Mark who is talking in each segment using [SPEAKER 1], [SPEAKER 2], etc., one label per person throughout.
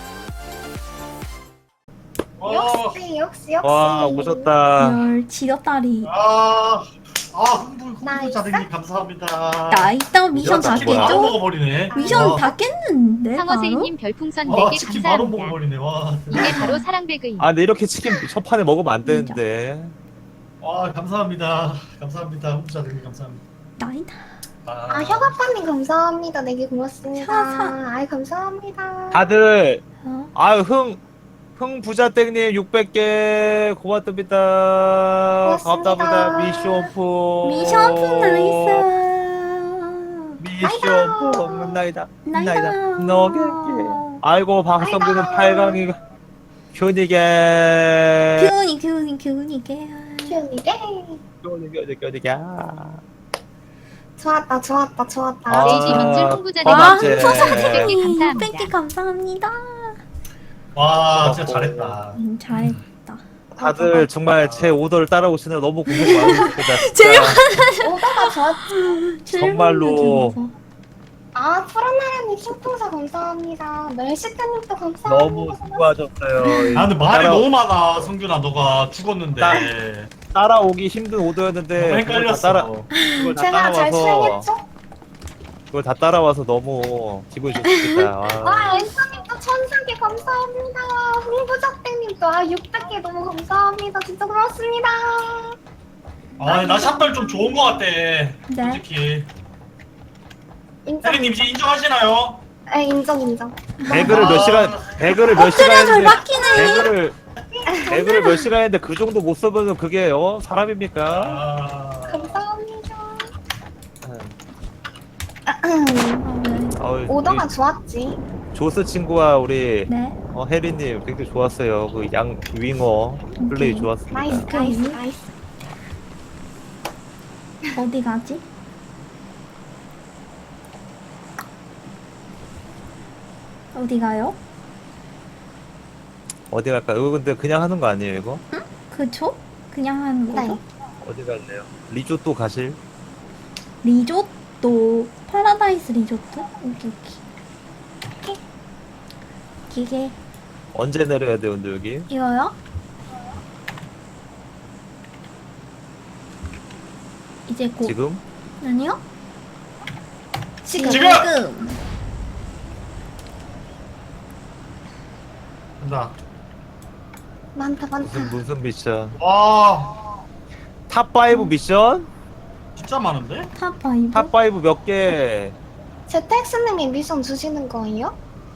[SPEAKER 1] 역시.
[SPEAKER 2] 와 오셨다.
[SPEAKER 3] 열 지렸다리.
[SPEAKER 1] 흥부자들님 감사합니다.
[SPEAKER 3] 나 이따 미션 다
[SPEAKER 2] 치킨 바로
[SPEAKER 3] 깼죠?
[SPEAKER 1] 먹어버리네.
[SPEAKER 3] 미션 다 깼는데 바로?
[SPEAKER 4] 상어세이님 별풍선
[SPEAKER 1] 와
[SPEAKER 4] 4개
[SPEAKER 1] 치킨 바로
[SPEAKER 4] 감사합니다.
[SPEAKER 1] 먹어버리네. 와.
[SPEAKER 4] 이게 바로 사랑배그입니다.
[SPEAKER 2] 아 근데 이렇게 치킨 첫 판에 먹으면 안 되는데.
[SPEAKER 1] 와 감사합니다. 감사합니다. 흥부자들님 감사합니다.
[SPEAKER 3] 나이다.
[SPEAKER 5] 혁아빠님 감사합니다. 내게 고맙습니다.
[SPEAKER 3] 샤샤.
[SPEAKER 5] 아이 감사합니다.
[SPEAKER 2] 다들
[SPEAKER 3] 어?
[SPEAKER 2] 아유 흥부자땡님 600개 고맙습니다.
[SPEAKER 5] 고맙습니다.
[SPEAKER 2] 감사합니다. 미션프.
[SPEAKER 3] 미션품 나이스.
[SPEAKER 2] 미션프 나이다.
[SPEAKER 3] 나이다.
[SPEAKER 2] 너게게. 아이고 박성규는 8강이 교니게.
[SPEAKER 3] 교훈이 게.
[SPEAKER 5] 큐니게 좋았다.
[SPEAKER 2] 아,
[SPEAKER 4] 레이지 민줄 홍보자님
[SPEAKER 3] 와,
[SPEAKER 2] 맞지.
[SPEAKER 4] 감사합니다.
[SPEAKER 3] 600개 감사합니다.
[SPEAKER 1] 와 진짜 잘했다.
[SPEAKER 3] 잘했다.
[SPEAKER 2] 다들 정말 제 오더를 따라오시느라 너무 고생 많으셨습니다.
[SPEAKER 3] 제일
[SPEAKER 5] 오다가 좋았지.
[SPEAKER 2] 정말로.
[SPEAKER 5] 푸른나라님 신풍사 감사합니다. 멜시트님도 감사합니다.
[SPEAKER 2] 너무 수고하셨어요.
[SPEAKER 1] 아 근데 말이
[SPEAKER 2] 따라-
[SPEAKER 1] 너무 많아. 성균아 너가 죽었는데.
[SPEAKER 2] 따라오기 힘든 오더였는데
[SPEAKER 1] 너무
[SPEAKER 2] 그걸
[SPEAKER 1] 헷갈렸어.
[SPEAKER 2] 그걸 다
[SPEAKER 5] 제가 잘
[SPEAKER 2] 따라와서
[SPEAKER 5] 수행했죠?
[SPEAKER 2] 그걸 다 따라와서 너무 기분이 좋습니다. 와.
[SPEAKER 5] 엔서님도 1000개 감사합니다. 홍부작대님도 600개 너무 감사합니다. 진짜 고맙습니다.
[SPEAKER 1] 나 샷발 좀 좋은 거 같아.
[SPEAKER 3] 네.
[SPEAKER 1] 솔직히.
[SPEAKER 5] 인정.
[SPEAKER 1] 혜리님 이제 인정하시나요?
[SPEAKER 5] 인정.
[SPEAKER 2] 배그를 몇
[SPEAKER 1] 아.
[SPEAKER 2] 시간 배그를 몇 시간
[SPEAKER 3] 엎드려 잘
[SPEAKER 2] 했는데
[SPEAKER 3] 박히네.
[SPEAKER 2] 배그를 몇 시간 했는데 그 정도 못 써보면 그게 사람입니까?
[SPEAKER 1] 아.
[SPEAKER 5] 감사합니다.
[SPEAKER 2] 우리
[SPEAKER 5] 오더가 좋았지.
[SPEAKER 2] 조스 친구와 우리
[SPEAKER 3] 네.
[SPEAKER 2] 혜리님 굉장히 좋았어요. 그 양 윙어 플레이 좋았습니다.
[SPEAKER 5] 나이스.
[SPEAKER 3] 어디 가지? 어디 가요?
[SPEAKER 2] 어디 갈까요? 이거 근데 그냥 하는 거 아니에요 이거?
[SPEAKER 3] 그쵸? 그냥 하는 거죠?
[SPEAKER 5] 네.
[SPEAKER 2] 어디 갈래요? 리조또 가실?
[SPEAKER 3] 리조또 파라다이스 리조트? 오케이. 기계
[SPEAKER 2] 언제 내려야 돼요 근데 여기?
[SPEAKER 3] 이거요? 이제 곧
[SPEAKER 2] 지금?
[SPEAKER 3] 아니요?
[SPEAKER 5] 지금.
[SPEAKER 1] 지금! 간다.
[SPEAKER 5] 많다.
[SPEAKER 2] 무슨 미션?
[SPEAKER 1] 와
[SPEAKER 2] 탑5 미션?
[SPEAKER 1] 진짜 많은데?
[SPEAKER 3] 탑5
[SPEAKER 2] 탑5 몇 개?
[SPEAKER 5] 제택스님이 미션 주시는 거예요?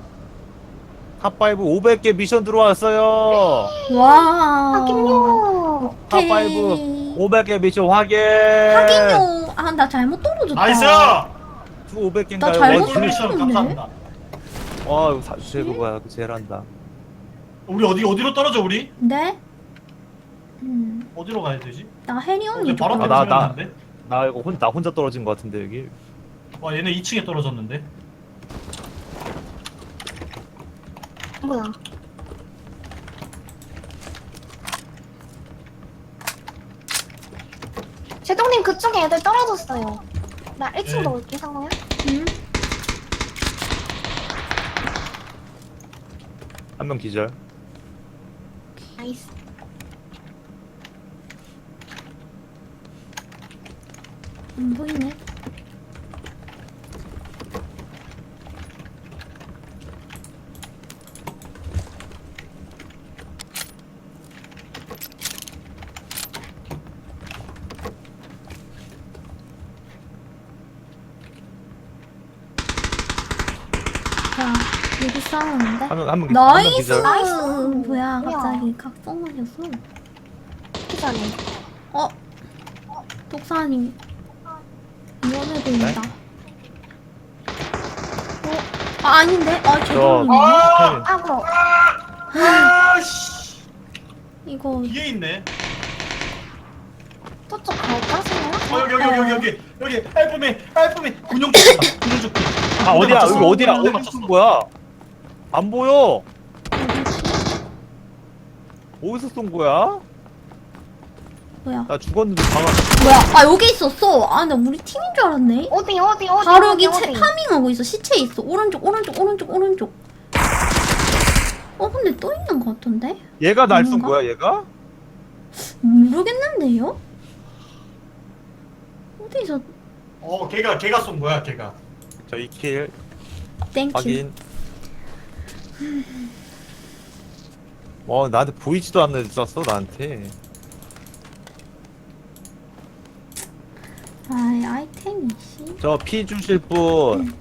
[SPEAKER 2] 탑5 500개 미션 들어왔어요.
[SPEAKER 3] 와
[SPEAKER 5] 확인요.
[SPEAKER 2] 탑5 500개 미션 확인.
[SPEAKER 3] 확인요. 아 나 잘못 떨어졌다.
[SPEAKER 1] 나이스!
[SPEAKER 2] 500개인가요?
[SPEAKER 3] 나 잘못
[SPEAKER 1] 미션
[SPEAKER 3] 떨어졌네.
[SPEAKER 1] 감사합니다.
[SPEAKER 2] 이거 제일 뭐야? 제일 한다.
[SPEAKER 1] 우리 어디로 떨어져 우리?
[SPEAKER 3] 네?
[SPEAKER 1] 어디로 가야 되지?
[SPEAKER 3] 나 혜리 언니
[SPEAKER 1] 어제 바로
[SPEAKER 3] 좀
[SPEAKER 2] 나-
[SPEAKER 1] 떨어졌는데?
[SPEAKER 2] 나 이거 나 혼자 떨어진 것 같은데 여기.
[SPEAKER 1] 와 얘네 2층에 떨어졌는데?
[SPEAKER 5] 뭐야? 제동님 그쪽에 애들 떨어졌어요. 나 1층
[SPEAKER 1] 네.
[SPEAKER 5] 넣을게 상호야.
[SPEAKER 3] 응?
[SPEAKER 2] 한 명 기절.
[SPEAKER 5] 나이스.
[SPEAKER 3] 안 보이네. 자, 여기 싸우는데?
[SPEAKER 2] 한명
[SPEAKER 3] 나이스!
[SPEAKER 2] 기절.
[SPEAKER 5] 나이스.
[SPEAKER 3] 뭐야,
[SPEAKER 5] 뭐야.
[SPEAKER 3] 갑자기 각성 맞았어.
[SPEAKER 5] 기자네.
[SPEAKER 3] 독사님. 위험해 보인다. 아닌데? 죄송해요.
[SPEAKER 5] 아고.
[SPEAKER 1] 아씨
[SPEAKER 3] 이거,
[SPEAKER 1] 뒤에 있네.
[SPEAKER 5] 저쪽 갈까 상호야?
[SPEAKER 1] 여기 알품이 군용 조끼.
[SPEAKER 2] 아 어디야? 여기 어디야? 어디
[SPEAKER 1] 맞췄어.
[SPEAKER 2] 쏜 거야? 안 보여. 어디서 쏜 거야?
[SPEAKER 3] 뭐야?
[SPEAKER 2] 나 죽었는데 방아.
[SPEAKER 3] 뭐야? 여기 있었어. 나 우리 팀인 줄 알았네.
[SPEAKER 5] 어디?
[SPEAKER 3] 바로 여기 파밍하고 있어. 시체 있어. 오른쪽. 근데 또 있는 것 같은데?
[SPEAKER 2] 얘가 날 쏜
[SPEAKER 3] 뭔가?
[SPEAKER 2] 거야 얘가?
[SPEAKER 3] 모르겠는데요? 어디서
[SPEAKER 1] 걔가 쏜 거야 걔가.
[SPEAKER 2] 저 2킬
[SPEAKER 3] 땡큐.
[SPEAKER 2] 확인. 나한테 보이지도 않는 데 쐈어 나한테.
[SPEAKER 3] 아이템이 씨.
[SPEAKER 2] 저 피 주실 분.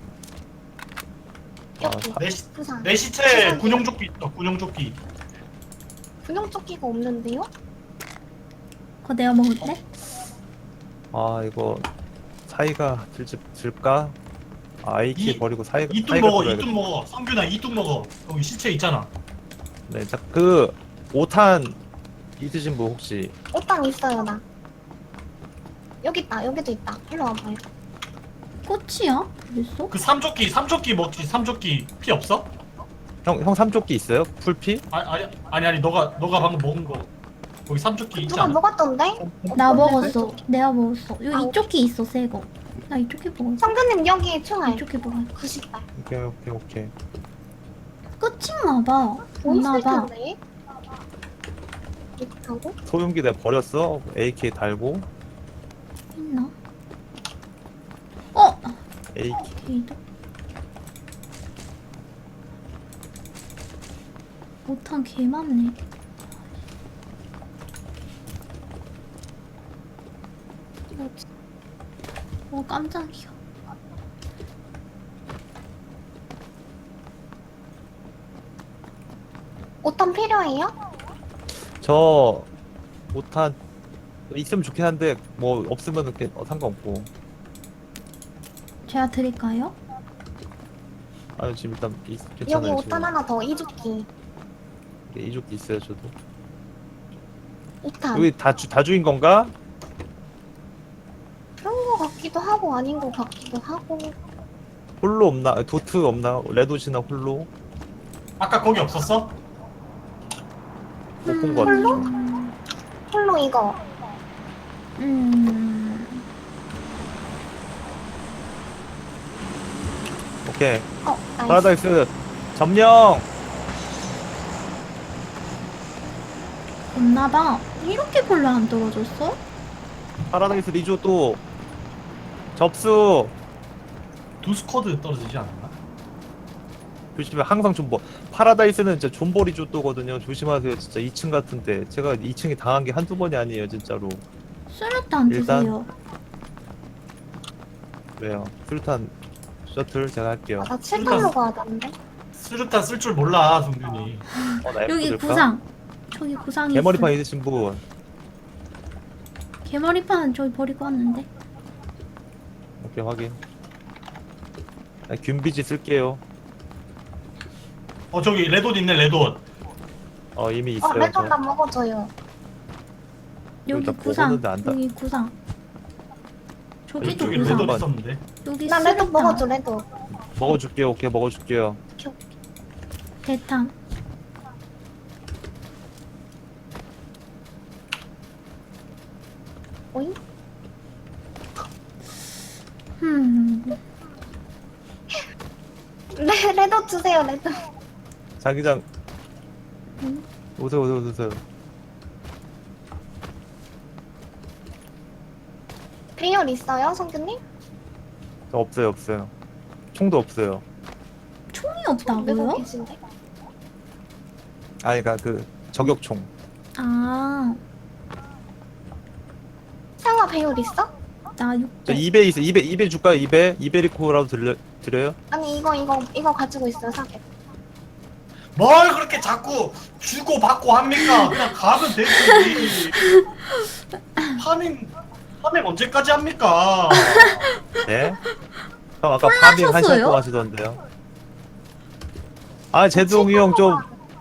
[SPEAKER 5] 여기 부상.
[SPEAKER 1] 내 시체에 군용조끼 있어. 군용조끼.
[SPEAKER 5] 군용조끼가 없는데요?
[SPEAKER 3] 그거 내가 먹을래?
[SPEAKER 2] 이거 사이가 들까? AK 버리고 사이가
[SPEAKER 1] 이뚝
[SPEAKER 2] 사이가
[SPEAKER 1] 먹어.
[SPEAKER 2] 들어야겠다.
[SPEAKER 1] 이뚝 먹어. 성균아 이뚝 먹어. 여기 시체 있잖아.
[SPEAKER 2] 네, 자, 그 5탄 있으신 분 혹시?
[SPEAKER 5] 옷당 있어요 나. 여기 있다. 여기도 있다. 일로 와봐요.
[SPEAKER 3] 꽃이야? 그랬어?
[SPEAKER 1] 그 삼조끼 먹지. 삼조끼 피 없어?
[SPEAKER 2] 형 삼조끼 있어요? 풀피?
[SPEAKER 1] 아니 너가 방금 먹은 거. 거기 삼조끼
[SPEAKER 5] 누가
[SPEAKER 1] 있잖아.
[SPEAKER 5] 먹었던데?
[SPEAKER 3] 나 먹었어. 내가 먹었어. 여기 이쪽이 있어, 새 거. 나 이쪽에 먹었어.
[SPEAKER 5] 성근님 여기 총알.
[SPEAKER 3] 이쪽에 먹었어.
[SPEAKER 5] 90발.
[SPEAKER 2] 오케이.
[SPEAKER 3] 끝인가 봐.
[SPEAKER 5] 보이실
[SPEAKER 3] 없나 봐.
[SPEAKER 5] 텐데. 이렇게 하고.
[SPEAKER 2] 소용기 내가 버렸어. AK 달고.
[SPEAKER 3] 있나?
[SPEAKER 2] AK.
[SPEAKER 3] 걔도. 못한 개 많네.
[SPEAKER 5] 뭐지?
[SPEAKER 3] 깜짝이야.
[SPEAKER 5] 옷당 필요해요?
[SPEAKER 2] 저 5탄 있으면 좋긴 한데 뭐 없으면 상관없고.
[SPEAKER 3] 제가 드릴까요?
[SPEAKER 2] 지금 일단
[SPEAKER 5] 여기
[SPEAKER 2] 괜찮아요.
[SPEAKER 5] 옷단 하나 더. 이조끼.
[SPEAKER 2] 이쪽도 있어요 저도.
[SPEAKER 5] 옷단.
[SPEAKER 2] 여기 다 주인 건가?
[SPEAKER 5] 그런 거 같기도 하고 아닌 거 같기도 하고.
[SPEAKER 2] 홀로 없나? 도트 없나? 레도시나 홀로?
[SPEAKER 1] 아까 거기 없었어?
[SPEAKER 2] 못 본 거 같아.
[SPEAKER 5] 홀로? 홀로 이거.
[SPEAKER 2] 오케이.
[SPEAKER 5] 나이스.
[SPEAKER 2] 파라다이스 점령.
[SPEAKER 3] 없나봐. 이렇게 별로 안 떨어졌어?
[SPEAKER 2] 파라다이스 리조또 접수.
[SPEAKER 1] 두 스쿼드 떨어지지 않았나?
[SPEAKER 2] 조심해. 항상 존버. 파라다이스는 진짜 존버 리조또거든요. 조심하세요. 진짜 2층 같은데 제가 2층에 당한 게 한두 번이 아니에요 진짜로.
[SPEAKER 3] 수류탄
[SPEAKER 2] 일단-
[SPEAKER 3] 드세요.
[SPEAKER 2] 왜요? 술탄 셔틀 제가 할게요.
[SPEAKER 5] 나 7탄로 가야 되는데.
[SPEAKER 1] 수류탄 쓸 줄 몰라 성균이.
[SPEAKER 2] 나 F
[SPEAKER 3] 여기
[SPEAKER 2] 들까?
[SPEAKER 3] 구상. 저기 구상이
[SPEAKER 2] 개머리판
[SPEAKER 3] 있어.
[SPEAKER 2] 있으신 분.
[SPEAKER 3] 개머리판은 저기 버리고 왔는데.
[SPEAKER 2] 오케이 확인. 균비지 쓸게요.
[SPEAKER 1] 저기 레돈 있네 레돈.
[SPEAKER 2] 이미 있어요.
[SPEAKER 5] 레톤 나
[SPEAKER 2] 저.
[SPEAKER 5] 먹어줘요.
[SPEAKER 3] 여기
[SPEAKER 2] 다
[SPEAKER 3] 구상.
[SPEAKER 2] 먹었는데 안 다-
[SPEAKER 3] 여기 구상. 저기도
[SPEAKER 1] 이쪽에
[SPEAKER 3] 구상.
[SPEAKER 1] 레돈 있었는데.
[SPEAKER 3] 여기
[SPEAKER 5] 나 레톤
[SPEAKER 3] 수류탄.
[SPEAKER 5] 먹어줘, 레톤.
[SPEAKER 2] 먹어줄게요. 오케이 먹어줄게요.
[SPEAKER 3] 대탄.
[SPEAKER 5] 오잉? 레톤 주세요, 레톤.
[SPEAKER 2] 자기장.
[SPEAKER 3] 응?
[SPEAKER 2] 오세요.
[SPEAKER 5] 배열 있어요, 성규님?
[SPEAKER 2] 저 없어요. 총도 없어요.
[SPEAKER 3] 총이
[SPEAKER 5] 메고
[SPEAKER 3] 없다고요?
[SPEAKER 5] 계신데?
[SPEAKER 2] 그러니까 그 저격총.
[SPEAKER 3] 아,
[SPEAKER 5] 상아 배열 있어?
[SPEAKER 3] 나
[SPEAKER 2] 저
[SPEAKER 3] 600.
[SPEAKER 2] 2배 있어. 2배 줄까요? 2배 리코라도 드려요?
[SPEAKER 5] 아니, 이거 가지고 있어요, 사게.
[SPEAKER 1] 뭘 그렇게 자꾸 주고 받고 합니까? 그냥 가면 되지. 파밍 언제까지 합니까?
[SPEAKER 2] 네. 형 아까 파밍 1시간
[SPEAKER 3] 콜라셨어요?
[SPEAKER 2] 동안 하시던데요. 제동이 형 좀.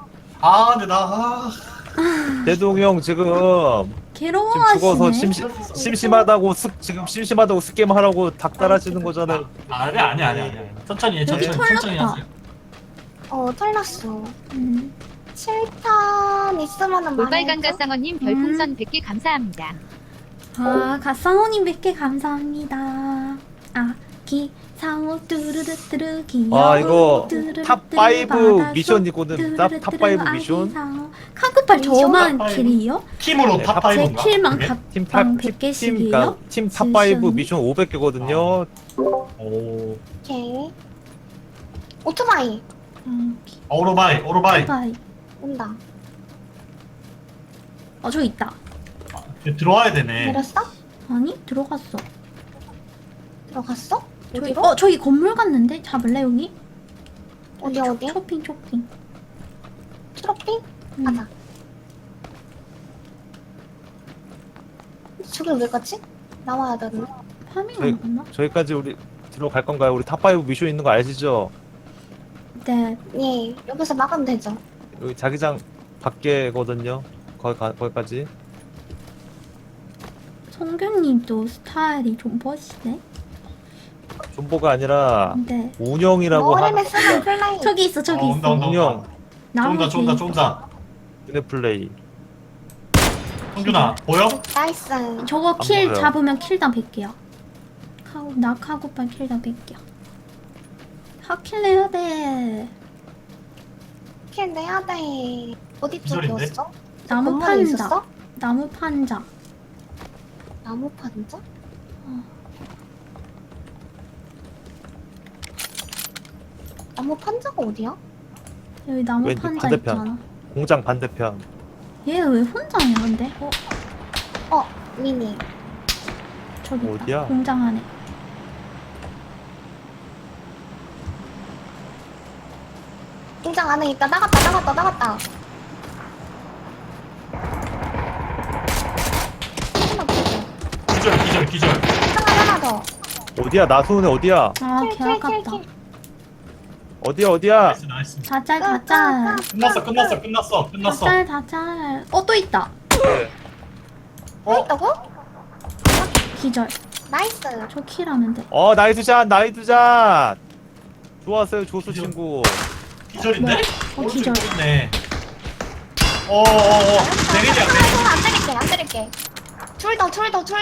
[SPEAKER 1] 근데
[SPEAKER 2] 제동이 형 지금 죽어서
[SPEAKER 3] 괴로워하시네.
[SPEAKER 2] 심심하다고 지금 심심하다고 스게임 하라고 닭달하시는 거잖아요.
[SPEAKER 1] 아니. 천천히 해,
[SPEAKER 3] 여기
[SPEAKER 1] 천천히
[SPEAKER 3] 털렸다.
[SPEAKER 1] 하세요.
[SPEAKER 5] 털났어.
[SPEAKER 3] 음.
[SPEAKER 5] 7탄 있으면은
[SPEAKER 4] 올빨간
[SPEAKER 5] 많이
[SPEAKER 4] 가상어님 별풍선 100개 감사합니다.
[SPEAKER 3] 아, 갓상호님 100개 감사합니다. 기상호 뚜루루뚜루 기여
[SPEAKER 2] 아, 이거
[SPEAKER 3] 뚜루루뚜루
[SPEAKER 2] 탑5
[SPEAKER 3] 바다속
[SPEAKER 2] 미션이거든. 탑5 미션.
[SPEAKER 3] 아기상어. 카구팔 저만
[SPEAKER 1] 탑5.
[SPEAKER 3] 킬이요?
[SPEAKER 1] 팀으로
[SPEAKER 2] 네,
[SPEAKER 1] 탑
[SPEAKER 3] 제
[SPEAKER 1] 5인가?
[SPEAKER 3] 킬만
[SPEAKER 2] 팀
[SPEAKER 3] 각방
[SPEAKER 2] 탑, 팀,
[SPEAKER 3] 100개씩이에요?
[SPEAKER 2] 팀 탑5 미션 500개거든요.
[SPEAKER 1] 오.
[SPEAKER 5] 오케이. 오토바이
[SPEAKER 1] 오토바이.
[SPEAKER 3] 오토바이.
[SPEAKER 5] 온다.
[SPEAKER 3] 저기 있다.
[SPEAKER 1] 들어와야 되네.
[SPEAKER 5] 내렸어?
[SPEAKER 3] 아니 들어갔어.
[SPEAKER 5] 들어갔어?
[SPEAKER 3] 저기
[SPEAKER 5] 어디로?
[SPEAKER 3] 저기 건물 갔는데 잡을래 여기?
[SPEAKER 5] 어디 어디야?
[SPEAKER 3] 쇼핑.
[SPEAKER 5] 트로피?
[SPEAKER 3] 응.
[SPEAKER 5] 가자. 저길 왜 갔지? 나와야 되는데.
[SPEAKER 3] 파밍
[SPEAKER 2] 저희-
[SPEAKER 3] 안 갔나?
[SPEAKER 2] 저기까지 우리 들어갈 건가요? 우리 탑5 미션 있는 거 아시죠?
[SPEAKER 3] 네.
[SPEAKER 5] 예, 여기서 막으면 되죠.
[SPEAKER 2] 여기 자기장 밖에거든요. 거기까지.
[SPEAKER 3] 성경님도 스타일이 좀 멋있네.
[SPEAKER 2] 존버가 아니라
[SPEAKER 3] 네.
[SPEAKER 2] 운영이라고
[SPEAKER 5] 머리를
[SPEAKER 2] 하는
[SPEAKER 5] 쓰는 플레이.
[SPEAKER 3] 저기 있어 저기
[SPEAKER 1] 온다
[SPEAKER 3] 있어.
[SPEAKER 1] 온다
[SPEAKER 2] 운영.
[SPEAKER 1] 온다.
[SPEAKER 3] 나무
[SPEAKER 1] 쫀다 쫀다
[SPEAKER 3] 뒤에.
[SPEAKER 1] 쫀다.
[SPEAKER 2] 눈의 플레이.
[SPEAKER 1] 성준아 보여?
[SPEAKER 5] 나이스.
[SPEAKER 3] 저거 킬
[SPEAKER 2] 보여요.
[SPEAKER 3] 잡으면 킬당 100개야. 나 카구팔 킬당 100개야. 하킬 내야 돼.
[SPEAKER 5] 킬 내야 돼. 어디
[SPEAKER 1] 기절인데?
[SPEAKER 5] 쪽이었어?
[SPEAKER 3] 나무
[SPEAKER 5] 건물에
[SPEAKER 3] 판자.
[SPEAKER 5] 있었어?
[SPEAKER 3] 나무 판자.
[SPEAKER 5] 나무 판자?
[SPEAKER 3] 어.
[SPEAKER 5] 나무 판자가 어디야?
[SPEAKER 3] 여기 나무
[SPEAKER 2] 왼쪽
[SPEAKER 3] 판자
[SPEAKER 2] 반대편.
[SPEAKER 3] 있잖아.
[SPEAKER 2] 공장 반대편.
[SPEAKER 3] 얘 왜 혼자냐 근데?
[SPEAKER 5] 미니.
[SPEAKER 3] 저기 있다.
[SPEAKER 2] 어디야?
[SPEAKER 3] 공장 안에.
[SPEAKER 5] 공장 안에 있다. 나갔다.
[SPEAKER 1] 기절.
[SPEAKER 5] 하나 더.
[SPEAKER 2] 어디야? 나소은에 어디야?
[SPEAKER 3] 아 개 아깝다.
[SPEAKER 2] 어디야?
[SPEAKER 1] 나이스.
[SPEAKER 3] 다짤.
[SPEAKER 1] 끝났어.
[SPEAKER 3] 다짤. 또 있다.
[SPEAKER 5] 뭐 있다고?
[SPEAKER 3] 기절.
[SPEAKER 5] 나이스.
[SPEAKER 3] 저 킬하면 돼.
[SPEAKER 2] 나이스 샷. 좋았어요, 조수
[SPEAKER 1] 기절.
[SPEAKER 2] 친구.
[SPEAKER 1] 기절인데?
[SPEAKER 3] 기절.
[SPEAKER 1] 네. 내리자.
[SPEAKER 5] 안 때릴게. 둘 더.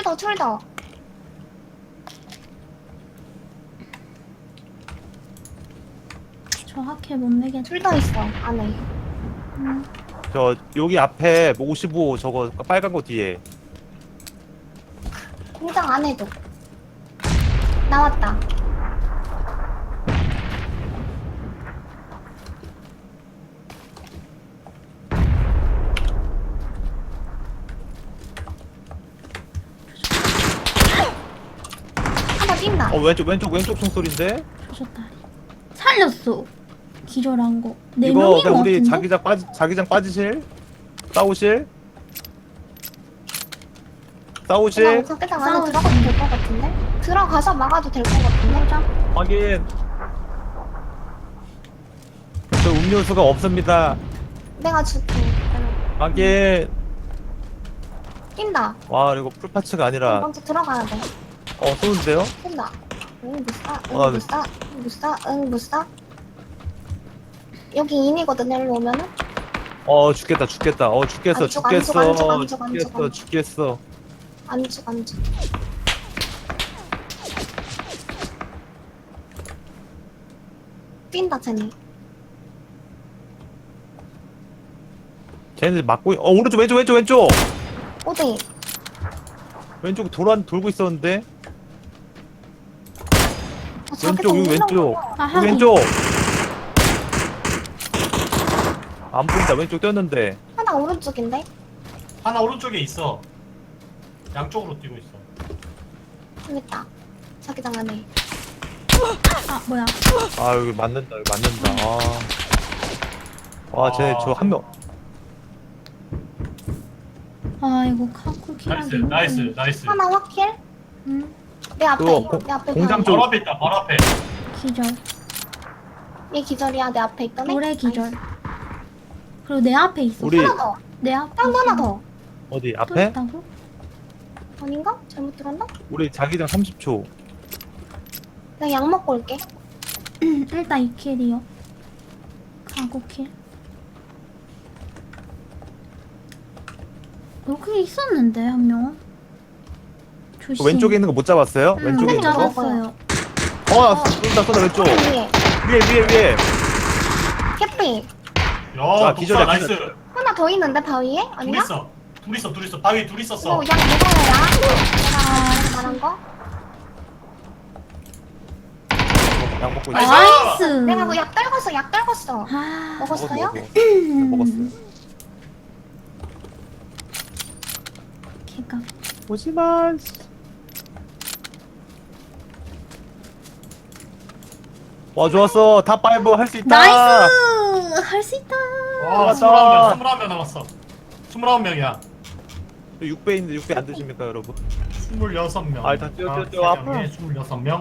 [SPEAKER 3] 저 하킬 못 내겠다.
[SPEAKER 5] 둘 더 있어, 안에.
[SPEAKER 2] 저 여기 앞에 55 저거 빨간 거 뒤에.
[SPEAKER 5] 공장 안에도. 나왔다. 하나 뛴다.
[SPEAKER 2] 왼쪽 총소리인데?
[SPEAKER 3] 조졌다리. 살렸어. 기절한 거. 네
[SPEAKER 2] 이거
[SPEAKER 3] 명인 거
[SPEAKER 2] 그냥 우리
[SPEAKER 3] 같은데?
[SPEAKER 2] 자기장 빠지실? 싸우실?
[SPEAKER 5] 그냥
[SPEAKER 2] 싸우실?
[SPEAKER 5] 자기장 안에 들어가도 될 것 같은데? 들어가서 막아도 될 것 같은데?
[SPEAKER 3] 보자.
[SPEAKER 2] 확인. 저 음료수가 없습니다.
[SPEAKER 5] 내가 줄게.
[SPEAKER 2] 확인.
[SPEAKER 5] 뛴다.
[SPEAKER 2] 와 이거 풀파츠가 아니라
[SPEAKER 5] 먼저 들어가야 돼.
[SPEAKER 2] 쏘는데요?
[SPEAKER 5] 뛴다. 응,
[SPEAKER 2] 네.
[SPEAKER 5] 못 쏴. 여기 인이거든, 일로 오면은?
[SPEAKER 2] 죽겠다. 죽겠어.
[SPEAKER 5] 안 죽. 뛴다, 쟤네.
[SPEAKER 2] 쟤네들 막고 오른쪽 왼쪽
[SPEAKER 5] 어디?
[SPEAKER 2] 왼쪽 돌고 있었는데
[SPEAKER 5] 자기장
[SPEAKER 2] 여기
[SPEAKER 5] 올라오는
[SPEAKER 2] 왼쪽
[SPEAKER 5] 거야.
[SPEAKER 3] 아,
[SPEAKER 2] 여기
[SPEAKER 3] 하긴.
[SPEAKER 2] 왼쪽 안 보인다. 왼쪽 뛰었는데
[SPEAKER 5] 하나 오른쪽인데?
[SPEAKER 1] 하나 오른쪽에 있어. 양쪽으로 뛰고 있어.
[SPEAKER 5] 여기 있다. 자기장 안에.
[SPEAKER 3] 아 뭐야?
[SPEAKER 2] 여기 맞는다. 쟤 저 한 명
[SPEAKER 3] 아 이거 카쿠 킬하기.
[SPEAKER 1] 나이스.
[SPEAKER 5] 하나 확킬?
[SPEAKER 3] 응.
[SPEAKER 5] 내 앞에.
[SPEAKER 2] 그거
[SPEAKER 5] 내 앞에.
[SPEAKER 2] 공장
[SPEAKER 5] 바로.
[SPEAKER 2] 쪽.
[SPEAKER 1] 바로 앞에 있다. 바로 앞에.
[SPEAKER 3] 기절.
[SPEAKER 5] 얘 기절이야. 내 앞에 있던 애.
[SPEAKER 3] 노래 기절. 그리고 내 앞에 있어.
[SPEAKER 2] 우리-
[SPEAKER 5] 하나 더.
[SPEAKER 3] 내 앞에.
[SPEAKER 5] 땅도 하나
[SPEAKER 3] 있어.
[SPEAKER 5] 더.
[SPEAKER 2] 어디
[SPEAKER 3] 또
[SPEAKER 2] 앞에?
[SPEAKER 3] 있다고?
[SPEAKER 5] 아닌가? 잘못 들었나?
[SPEAKER 2] 우리 자기장 30초.
[SPEAKER 5] 내가 약 먹고 올게.
[SPEAKER 3] 일단 2킬이요. 카구 킬. 여기 있었는데 한 명. 조심.
[SPEAKER 2] 왼쪽에 있는 거 못 잡았어요? 왼쪽에
[SPEAKER 3] 못
[SPEAKER 2] 있는 거?
[SPEAKER 3] 잡았어요.
[SPEAKER 2] 쏜다 왼쪽.
[SPEAKER 5] 위에.
[SPEAKER 2] 위에.
[SPEAKER 5] 캐피.
[SPEAKER 2] 자,
[SPEAKER 1] 야
[SPEAKER 2] 기절이야,
[SPEAKER 1] 독사 나이스.
[SPEAKER 2] 기절.
[SPEAKER 5] 하나 더 있는데 바위에? 아니야?
[SPEAKER 1] 둘 있어. 바위 둘 있었어.
[SPEAKER 5] 오, 약 먹어야. 내가 말한 거?
[SPEAKER 2] 약 먹고 있어.
[SPEAKER 3] 나이스.
[SPEAKER 5] 내가 그약 떨궜어.
[SPEAKER 3] 아,
[SPEAKER 5] 먹었어요?
[SPEAKER 2] 먹었어.
[SPEAKER 3] 개가.
[SPEAKER 2] 오지마. 와 좋았어. 탑5 할 수 있다.
[SPEAKER 3] 나이스. 할 수 있다.
[SPEAKER 1] 와
[SPEAKER 2] 맞다.
[SPEAKER 1] 21명 남았어. 29명이야.
[SPEAKER 2] 6배 있는데 6배 안 드십니까 여러분?
[SPEAKER 1] 26명.
[SPEAKER 2] 아, 일단 뛰어, 아파.
[SPEAKER 1] 26명.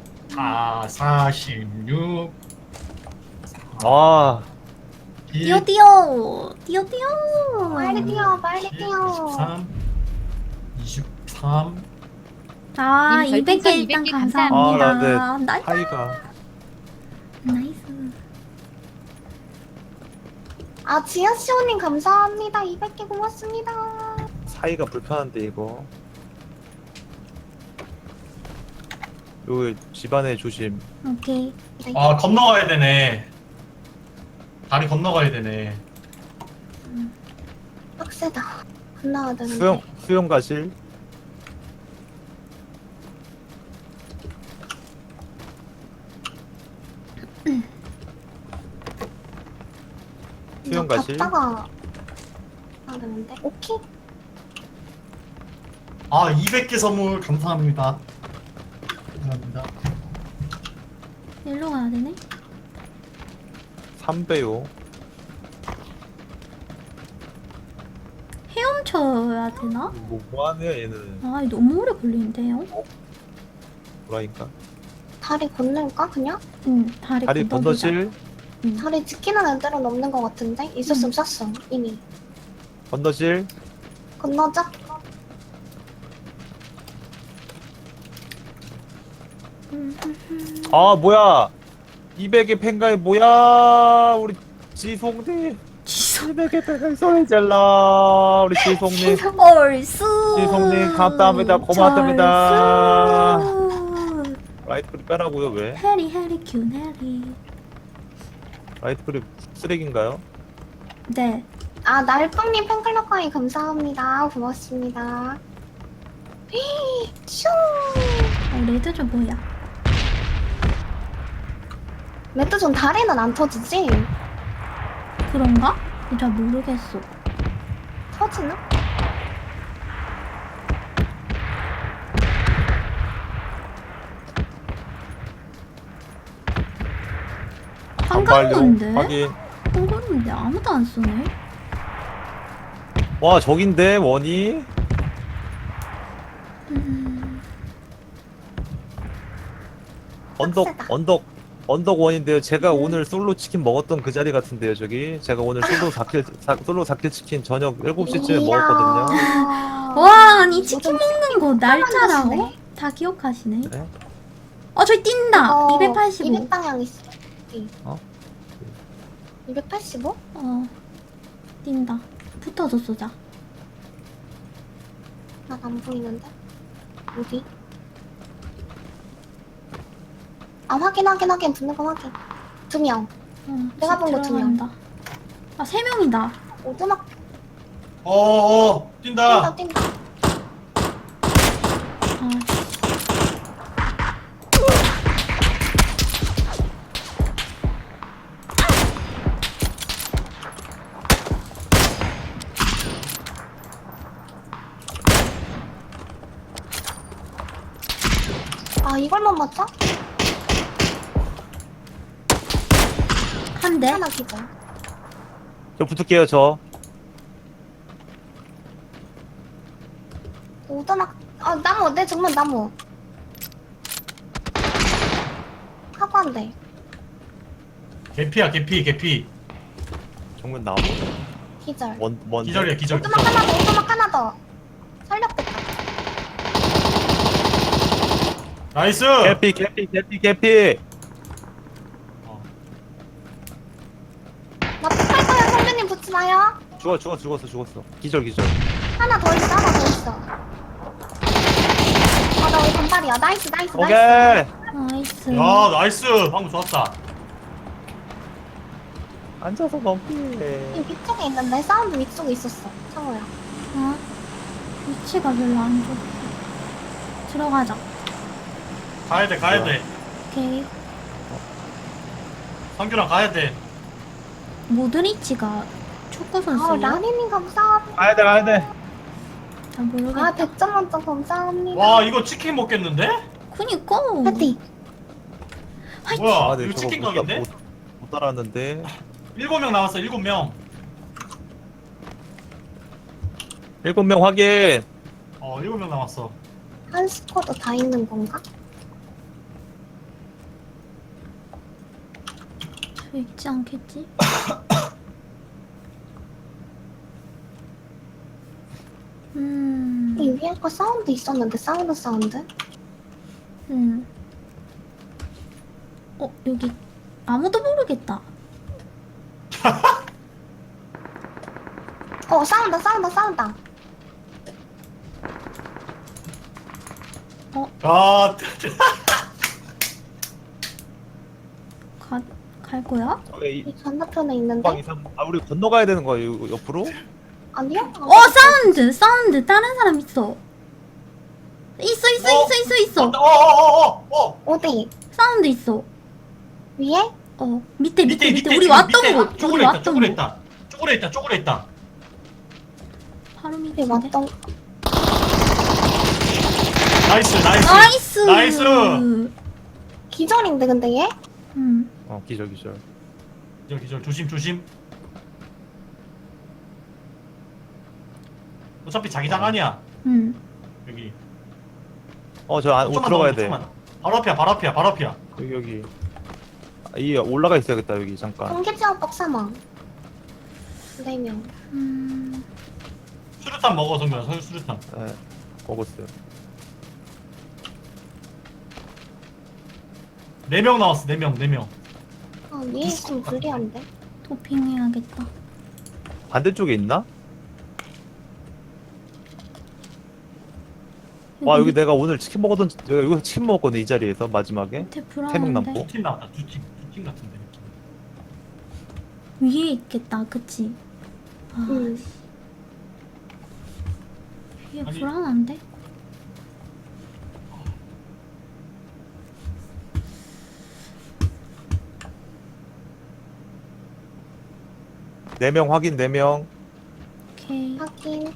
[SPEAKER 1] 46.
[SPEAKER 2] 아
[SPEAKER 3] 뛰어.
[SPEAKER 5] 빨리 뛰어.
[SPEAKER 1] 23.
[SPEAKER 3] 아,
[SPEAKER 4] 님
[SPEAKER 3] 200개
[SPEAKER 4] 별풍선
[SPEAKER 3] 일단
[SPEAKER 4] 200개
[SPEAKER 3] 감사합니다.
[SPEAKER 2] 아, 네.
[SPEAKER 3] 나이스.
[SPEAKER 2] 하이가
[SPEAKER 3] 나이스.
[SPEAKER 5] 아, 지아씨오님 감사합니다. 200개 고맙습니다.
[SPEAKER 2] 사이가 불편한데 이거. 여기 집안에 조심.
[SPEAKER 3] 오케이.
[SPEAKER 1] 아 건너가야 되네. 다리 건너가야 되네.
[SPEAKER 5] 빡세다. 건너야 되는데.
[SPEAKER 2] 수영 가실. 수영 가실.
[SPEAKER 5] 갔다가 아 되는데. 오케이.
[SPEAKER 1] 아 200개 선물 감사합니다. 감사합니다.
[SPEAKER 3] 일로 가야 되네.
[SPEAKER 2] 3배요.
[SPEAKER 3] 헤엄쳐야 되나?
[SPEAKER 2] 뭐하네요 얘는.
[SPEAKER 3] 아, 너무 오래 걸리는데요?
[SPEAKER 2] 뭐라니까.
[SPEAKER 5] 다리 건널까 그냥?
[SPEAKER 3] 응, 다리 건너보자.
[SPEAKER 2] 건너실.
[SPEAKER 3] 응.
[SPEAKER 5] 다리 지키는 애들은 없는 것 같은데? 있었으면 쐈어 이미.
[SPEAKER 2] 건너실.
[SPEAKER 5] 건너자.
[SPEAKER 2] 아 뭐야. 200의 팬가이 뭐야. 우리 지송님.
[SPEAKER 3] 지성.
[SPEAKER 2] 200의 팬가이 소리질러. 우리 지송님.
[SPEAKER 3] 얼쑤.
[SPEAKER 2] 지송님 감사합니다. 고맙습니다.
[SPEAKER 3] 절쑤.
[SPEAKER 2] 라이트 그립 빼라고요 왜?
[SPEAKER 3] 해리 큐 해리. 라이트
[SPEAKER 2] 그립 쓰레기인가요?
[SPEAKER 3] 네.
[SPEAKER 5] 아 날빵님 팬클럽 가입 감사합니다. 고맙습니다. 슝.
[SPEAKER 3] 레드 좀 뭐야?
[SPEAKER 5] 레드존 다리는 안 터지지?
[SPEAKER 3] 그런가? 잘 모르겠어.
[SPEAKER 5] 터지나?
[SPEAKER 3] 한강인데?
[SPEAKER 2] 확인.
[SPEAKER 3] 한강인데 아무도 안 쏘네.
[SPEAKER 2] 와 저긴데 원이.
[SPEAKER 5] 빡세다.
[SPEAKER 2] 언덕 원인데요. 제가 오늘 솔로 치킨 먹었던 그 자리 같은데요, 저기. 제가 오늘 솔로 4킬 치킨 저녁 7시쯤에 먹었거든요.
[SPEAKER 3] 와, 아니 치킨 먹는 거 날짜라고?
[SPEAKER 5] 하시네.
[SPEAKER 3] 다 기억하시네.
[SPEAKER 2] 네?
[SPEAKER 3] 저기 뛴다. 285.
[SPEAKER 5] 200방향 있어.
[SPEAKER 2] 어?
[SPEAKER 5] 285?
[SPEAKER 3] 뛴다. 붙어서 쏘자.
[SPEAKER 5] 난 안 보이는데. 어디? 아 확인. 붙는 거 확인. 2명. 내가 본거 두 명.
[SPEAKER 3] 들어간다. 아, 3명이다.
[SPEAKER 5] 오두막
[SPEAKER 1] 뛴다.
[SPEAKER 5] 뛴다. 아 이걸만 맞자?
[SPEAKER 3] 한 대.
[SPEAKER 5] 하나 기절.
[SPEAKER 2] 저 붙을게요, 저.
[SPEAKER 5] 오두막 나무 내 정면 나무. 하고 한 대.
[SPEAKER 1] 개피.
[SPEAKER 2] 정면 나무.
[SPEAKER 5] 기절.
[SPEAKER 2] 뭔
[SPEAKER 1] 기절이야.
[SPEAKER 5] 오두막 하나 더. 살렸겠다.
[SPEAKER 1] 나이스.
[SPEAKER 2] 개피.
[SPEAKER 5] 나 폭발 거야 선배님 붙지 마요.
[SPEAKER 2] 죽었어. 기절.
[SPEAKER 5] 하나 더 있어. 아 맞아 우리 반발이야. 나이스 나이스
[SPEAKER 2] 오케이.
[SPEAKER 5] 나이스.
[SPEAKER 3] 나이스.
[SPEAKER 1] 야 나이스 방금 좋았다.
[SPEAKER 2] 앉아서 넘기.
[SPEAKER 5] 이 위쪽에 있는데 사운드 위쪽에 있었어. 창호야.
[SPEAKER 3] 어? 위치가 별로 안 좋아. 들어가자.
[SPEAKER 1] 가야 돼 가야 돼.
[SPEAKER 3] 오케이.
[SPEAKER 1] 상규랑 가야 돼.
[SPEAKER 3] 모드리치가 축구
[SPEAKER 5] 아
[SPEAKER 3] 선수예요?
[SPEAKER 5] 라니님 감사합니다.
[SPEAKER 2] 가야 돼 가야 돼.
[SPEAKER 3] 잘 모르겠다.
[SPEAKER 5] 아 100점 만점 감사합니다.
[SPEAKER 1] 와 이거 치킨 먹겠는데?
[SPEAKER 3] 그니까.
[SPEAKER 5] 파이팅.
[SPEAKER 1] 뭐야
[SPEAKER 2] 아, 네,
[SPEAKER 1] 이거
[SPEAKER 2] 저거
[SPEAKER 1] 치킨
[SPEAKER 2] 못,
[SPEAKER 1] 각인데?
[SPEAKER 2] 못 따라왔는데.
[SPEAKER 1] 7명 남았어 7명.
[SPEAKER 2] 7명 확인.
[SPEAKER 1] 7명 남았어.
[SPEAKER 5] 한 스쿼드 다 있는 건가?
[SPEAKER 3] 저 있지 않겠지?
[SPEAKER 5] 이 위에 거 사운드 있었는데 사운드?
[SPEAKER 3] 여기 아무도 모르겠다.
[SPEAKER 5] 싸운다.
[SPEAKER 1] 아
[SPEAKER 3] 갈 거야?
[SPEAKER 5] 이 건너편에 있는데?
[SPEAKER 2] 우리 건너가야 되는 거야 이거 옆으로?
[SPEAKER 5] 아니요?
[SPEAKER 3] 사운드 다른 사람 있어. 있어.
[SPEAKER 5] 어디?
[SPEAKER 3] 사운드 있어.
[SPEAKER 5] 위에?
[SPEAKER 3] 밑에 우리
[SPEAKER 1] 지금
[SPEAKER 3] 왔던
[SPEAKER 1] 밑에
[SPEAKER 3] 곳.
[SPEAKER 1] 쪼그려 있다 쪼그려 있다.
[SPEAKER 3] 바로
[SPEAKER 5] 위에
[SPEAKER 3] 밑에.
[SPEAKER 5] 왔던
[SPEAKER 1] 나이스.
[SPEAKER 5] 기절인데 근데 얘?
[SPEAKER 2] 기절.
[SPEAKER 1] 기절 조심. 어차피 자기장 아니야 여기.
[SPEAKER 2] 저 안 들어가야 돼.
[SPEAKER 1] 조금만. 바로 앞이야.
[SPEAKER 2] 여기. 이 올라가 있어야겠다 여기 잠깐.
[SPEAKER 5] 공개지역 뻑사망 4명.
[SPEAKER 1] 수류탄 먹어 성규야 수류탄.
[SPEAKER 2] 네, 먹었어요.
[SPEAKER 1] 4명 나왔어 4명.
[SPEAKER 5] 위에 있으면 불리한데?
[SPEAKER 3] 도핑해야겠다.
[SPEAKER 2] 반대쪽에 있나? 와 여기 내가 오늘 치킨 먹었던 내가 여기서 치킨 먹었거든 이 자리에서 마지막에.
[SPEAKER 3] 밑에
[SPEAKER 2] 3명
[SPEAKER 3] 불안한데.
[SPEAKER 2] 남고.
[SPEAKER 1] 두팀 나왔다 두팀 같은데.
[SPEAKER 3] 위에 있겠다. 그치?
[SPEAKER 5] 응.
[SPEAKER 3] 위에
[SPEAKER 1] 아니.
[SPEAKER 3] 불안한데?
[SPEAKER 2] 네 명 확인 4명.
[SPEAKER 3] 오케이.
[SPEAKER 5] 확인.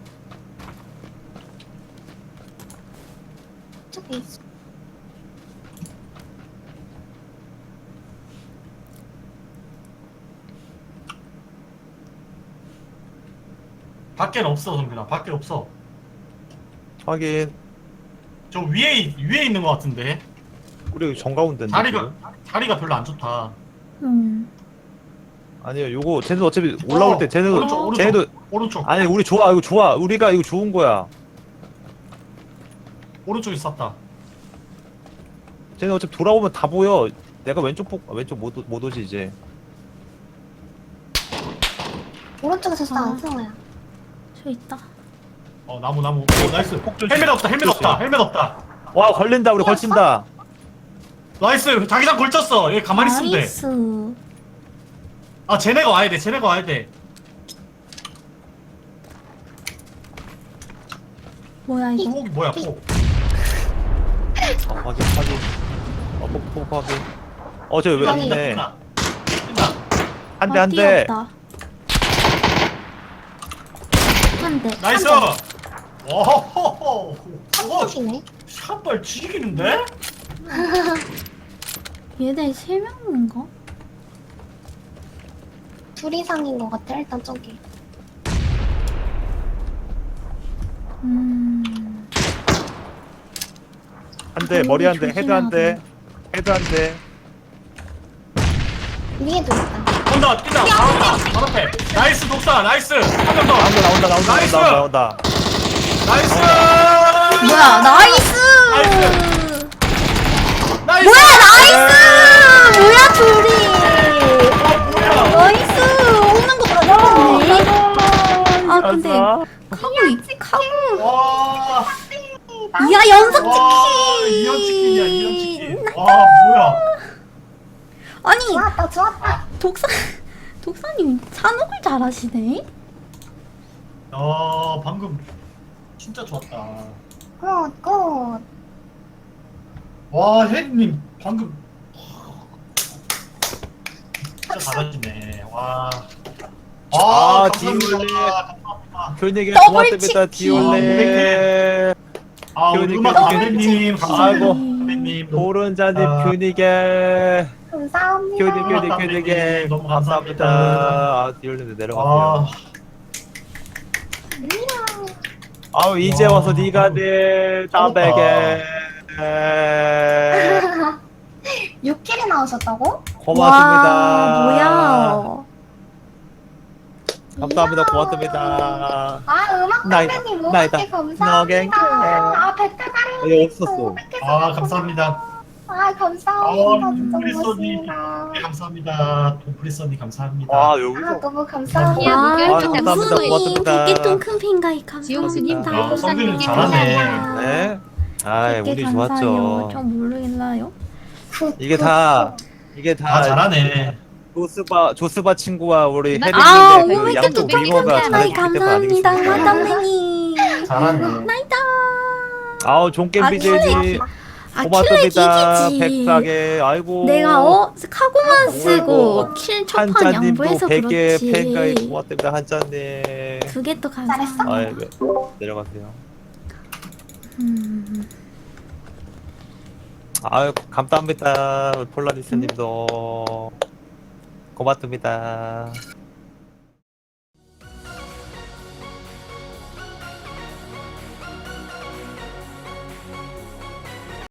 [SPEAKER 5] 저기 있어.
[SPEAKER 1] 밖엔 없어 성규야 밖에 없어.
[SPEAKER 2] 확인.
[SPEAKER 1] 저 위에 있는 것 같은데.
[SPEAKER 2] 우리 여기 정가운데인데.
[SPEAKER 1] 자리가 별로 안 좋다.
[SPEAKER 2] 아니요 요거 쟤는 어차피 올라올 때 쟤는 쟤도
[SPEAKER 1] 오른쪽
[SPEAKER 2] 아니 우리 좋아 이거 좋아 우리가 이거 좋은 거야.
[SPEAKER 1] 오른쪽에 쐈다.
[SPEAKER 2] 쟤는 어차피 돌아오면 다 보여. 내가 왼쪽 못 오지 이제.
[SPEAKER 5] 오른쪽에서 쏴,
[SPEAKER 3] 아.
[SPEAKER 5] 승호야.
[SPEAKER 3] 저 있다.
[SPEAKER 1] 나무 나이스.
[SPEAKER 2] 폭
[SPEAKER 1] 헬멧 없다.
[SPEAKER 2] 와 걸린다 우리 걸친다.
[SPEAKER 1] 나이스 자기장 걸쳤어. 얘 가만히 있으면 돼.
[SPEAKER 3] 나이스.
[SPEAKER 1] 쟤네가 와야 돼.
[SPEAKER 3] 뭐야 이거?
[SPEAKER 1] 폭이 뭐야 폭.
[SPEAKER 2] 확인. 폭 확인. 쟤왜
[SPEAKER 5] 아니.
[SPEAKER 2] 있네.
[SPEAKER 1] 뛴다.
[SPEAKER 2] 한 대.
[SPEAKER 3] 뛰었다. 한 대.
[SPEAKER 1] 나이스.
[SPEAKER 3] 한 대.
[SPEAKER 1] 오호호호.
[SPEAKER 5] 한쪽이네.
[SPEAKER 1] 샷발 지기는데?
[SPEAKER 3] 얘네 3명인가?
[SPEAKER 5] 둘 이상인 것 같아, 일단 저기.
[SPEAKER 2] 한 대, 머리 한 대, 헤드 한 대.
[SPEAKER 5] 위에도 있다.
[SPEAKER 1] 온다 뛴다 바로 앞에. 나이스 독사 나이스. 한 명 더. 나이스!
[SPEAKER 2] 나온다.
[SPEAKER 1] 나이스.
[SPEAKER 3] 뭐야 나이스!
[SPEAKER 1] 나이스.
[SPEAKER 3] 뭐야 나이스! 뭐야 둘이!
[SPEAKER 1] 뭐야?
[SPEAKER 3] 나이스! 오는 거 잡았네. 아 근데 카구
[SPEAKER 1] 와.
[SPEAKER 3] 이야 야 연속
[SPEAKER 1] 와
[SPEAKER 3] 치킨.
[SPEAKER 1] 이연 치킨이야 이연 치킨. 와 뭐야?
[SPEAKER 3] 아니
[SPEAKER 5] 좋았다 좋았다.
[SPEAKER 3] 독사님 산옥을 잘하시네.
[SPEAKER 1] 방금 진짜 좋았다.
[SPEAKER 5] 굿굿.
[SPEAKER 1] 와 혜리님 방금 진짜 잘하시네. 와.
[SPEAKER 2] 아,
[SPEAKER 1] 감사합니다.
[SPEAKER 2] 디올레.
[SPEAKER 1] 감사합니다.
[SPEAKER 2] 교육에
[SPEAKER 3] 더블
[SPEAKER 2] 고맙습니다.
[SPEAKER 3] 치킨.
[SPEAKER 2] 디올레.
[SPEAKER 1] 아 우리
[SPEAKER 2] 교육에
[SPEAKER 1] 음악
[SPEAKER 2] 교육에
[SPEAKER 1] 감독님 감사합니다.
[SPEAKER 2] 아이고.
[SPEAKER 1] 감독님 너무
[SPEAKER 2] 오른자님
[SPEAKER 1] 아.
[SPEAKER 2] 교육에.
[SPEAKER 5] 감사합니다.
[SPEAKER 2] 교육에
[SPEAKER 1] 너무
[SPEAKER 2] 감사합니다.
[SPEAKER 1] 감사합니다.
[SPEAKER 2] 아, 디올레 내려가세요. 아우 이제
[SPEAKER 1] 와.
[SPEAKER 2] 와서 네가 내 담배게.
[SPEAKER 5] 6킬이 나오셨다고?
[SPEAKER 2] 고맙습니다.
[SPEAKER 3] 와, 뭐야.
[SPEAKER 2] 감사합니다. 고맙습니다.
[SPEAKER 5] 아 음악
[SPEAKER 2] 나이-
[SPEAKER 5] 선배님
[SPEAKER 2] 나이다.
[SPEAKER 5] 500개 감사합니다.
[SPEAKER 2] 너겐.
[SPEAKER 5] 아 백대가리
[SPEAKER 2] 네, 없었어.
[SPEAKER 1] 아 감사합니다.
[SPEAKER 5] 아 감사합니다. 진짜
[SPEAKER 1] 프리소니
[SPEAKER 5] 고맙습니다.
[SPEAKER 1] 감사합니다. 돈프리서니 감사합니다.
[SPEAKER 2] 아
[SPEAKER 5] 아
[SPEAKER 2] 여기서
[SPEAKER 5] 너무
[SPEAKER 4] 야,
[SPEAKER 5] 감사합니다.
[SPEAKER 4] 목요일
[SPEAKER 3] 와,
[SPEAKER 4] 좀
[SPEAKER 2] 감사합니다.
[SPEAKER 3] 정수님
[SPEAKER 2] 고맙습니다.
[SPEAKER 3] 100개통 큰 핑가이
[SPEAKER 4] 지용수님
[SPEAKER 3] 감사합니다.
[SPEAKER 1] 아, 성빈이
[SPEAKER 4] 별풍선
[SPEAKER 1] 잘하네.
[SPEAKER 2] 네. 아,
[SPEAKER 3] 100개
[SPEAKER 2] 운이
[SPEAKER 3] 감사해요.
[SPEAKER 2] 좋았죠.
[SPEAKER 3] 전 모르겠나요?
[SPEAKER 2] 이게 다
[SPEAKER 1] 아 잘하네.
[SPEAKER 2] 조스바 친구와 우리
[SPEAKER 4] 아,
[SPEAKER 3] 아,
[SPEAKER 2] 혜린님의 그
[SPEAKER 3] 500개
[SPEAKER 2] 양쪽
[SPEAKER 3] 통
[SPEAKER 2] 미모가
[SPEAKER 3] 핑가이
[SPEAKER 2] 잘해주기 때문
[SPEAKER 3] 감사합니다.
[SPEAKER 2] 아니겠습니까?
[SPEAKER 3] 마담님.
[SPEAKER 1] 잘하네.
[SPEAKER 3] 나이다.
[SPEAKER 2] 아우 종겜
[SPEAKER 3] 아,
[SPEAKER 2] BJ님
[SPEAKER 3] 아,
[SPEAKER 2] 고맙습니다.
[SPEAKER 3] 킬렉 이기지.
[SPEAKER 2] 100사게 아이고
[SPEAKER 3] 내가 카고만 쓰고
[SPEAKER 2] 아이고.
[SPEAKER 3] 킬 첫판
[SPEAKER 2] 한자님도
[SPEAKER 3] 양보해서
[SPEAKER 2] 100개 팬가입
[SPEAKER 3] 그렇지.
[SPEAKER 2] 고맙습니다. 한자님.
[SPEAKER 3] 그게 또
[SPEAKER 5] 잘했어?
[SPEAKER 3] 감사합니다.
[SPEAKER 2] 아이고 내려가세요. 아유 감사합니다. 폴라리스님도 고맙습니다.